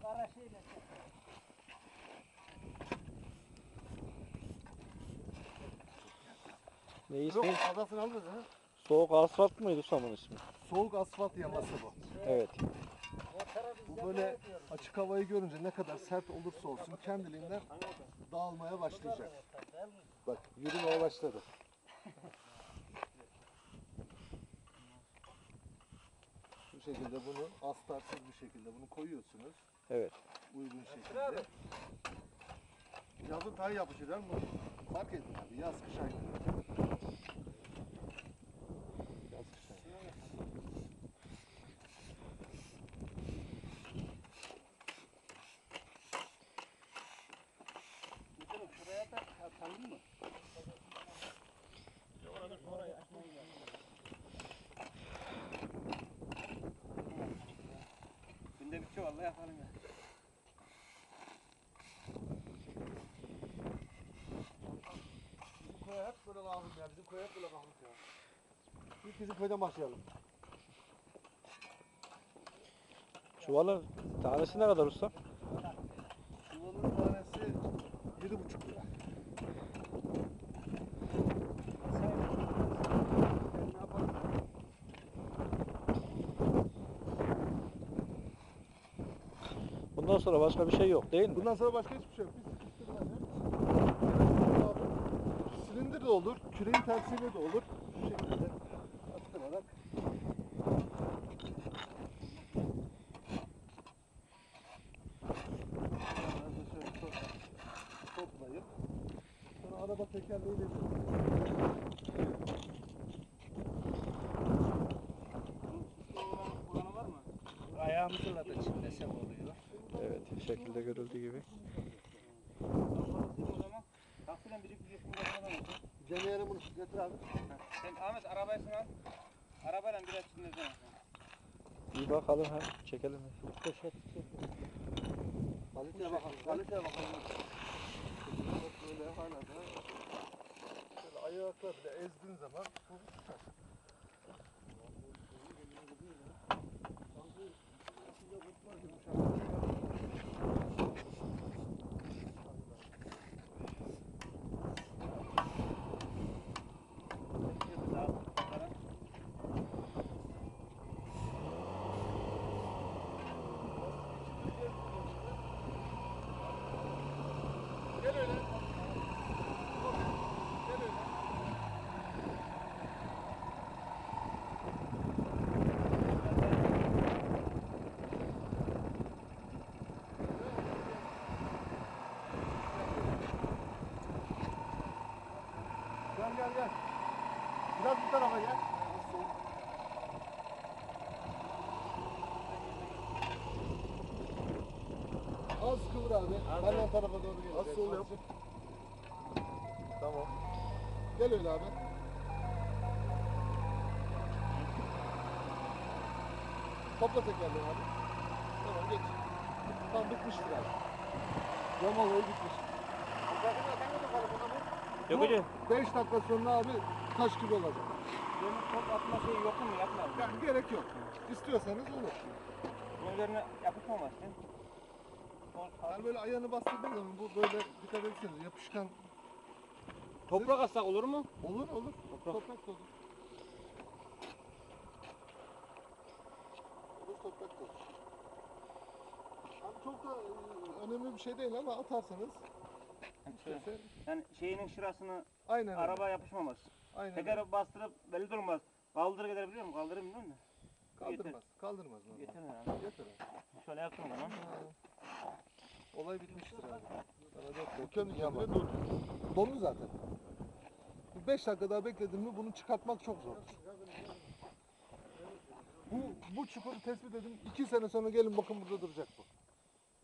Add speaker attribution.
Speaker 1: kara şeyle.
Speaker 2: Ne
Speaker 3: Yok,
Speaker 2: ismi?
Speaker 3: adasını alırız ha.
Speaker 2: Soğuk asfalt mıydı Usam'ın ismi?
Speaker 3: Soğuk asfalt yaması bu.
Speaker 2: Evet.
Speaker 3: Bu böyle açık havayı görünce ne kadar sert olursa olsun kendiliğinden dağılmaya başlayacak. Bak yürümeye başladı. Bu şekilde bunu astarsız bir şekilde bunu koyuyorsunuz.
Speaker 2: Evet.
Speaker 3: Uygun şekilde. Yazın tay yapışır değil mi? Fark edin abi yaz kış aynı. Yaz kış aynı.
Speaker 1: Şuraya da atalım mı? Oraya açmayı günde bitiyor vallahi yapalım ya.
Speaker 3: Bizim köye hep böyle lazım ya. Bizim köye hep böyle lazım ya. İlk bizim köyden başlayalım.
Speaker 2: Çuvalın tanesi ne kadar usta?
Speaker 3: Çuvalın tanesi 7,5 lira.
Speaker 1: Ne yapalım?
Speaker 2: Bundan sonra başka bir şey yok değil mi?
Speaker 3: Bundan sonra başka hiçbir şey yok. Biz silindir de olur, küreğin tersiyle de olur. Şu şekilde attırarak. Toplayıp sonra araba tekerleğiyle
Speaker 1: Kullanı var mı? Ayağımızla da çimlesem oluyor.
Speaker 2: Evet. Şekilde görüldüğü gibi.
Speaker 1: O zaman taksiyle birikecek burada falan olsun.
Speaker 3: deneyelim bunu. Getir abi.
Speaker 1: Sen Ahmet arabayı al. Arabayla biraz çimlesene.
Speaker 2: Bir bakalım hem çekelim.
Speaker 3: Poşet. Kaliteye bakalım. Kaliteye bakalım. Böyle hala da şöyle ayakla bile ezdiğin zaman bu tutar. Gel öyle. Gel öyle. Gel. Biraz bu tarafa gel. Az kıvır abi. Benden tarafa doğru gel. Az sol yap. Tamam. Gel öyle abi. Topla tekerleği abi. Tamam geç. Tamam bitmiştir abi. Cam olayı bitmiş.
Speaker 2: Yok hocam.
Speaker 3: 5 dakika sonra abi taş gibi olacak.
Speaker 1: Benim top atma şeyi yok mu? Yapma.
Speaker 3: Yani gerek yok. İstiyorsanız olur.
Speaker 1: Bunun üzerine yapışmaması.
Speaker 3: Yani böyle ayağını bastırdığın zaman bu böyle dikkat etseniz yapışkan
Speaker 1: Toprak atsak olur mu?
Speaker 3: olur. Toprak da olur. Toprak da olur. Yani çok da önemli bir şey değil ama atarsanız istersen
Speaker 1: Yani şeyinin şurasını
Speaker 3: aynen öyle.
Speaker 1: arabaya yapışmamaz.
Speaker 3: Aynen öyle.
Speaker 1: Teker bastırıp belli durmaz. Kaldırır gider biliyor musun? Kaldırır biliyor musun?
Speaker 3: Kaldırmaz. Normal.
Speaker 1: Yeter herhalde.
Speaker 3: Yeter abi.
Speaker 1: Şöyle yaptım o zaman.
Speaker 3: Olay bitmiştir abi. Bu kendi kendine durdu. Dondu zaten. 5 dakika daha bekledin mi bunu çıkartmak çok zordur. Bu çukuru tespit edin. 2 sene sonra gelin bakın burada duracak bu.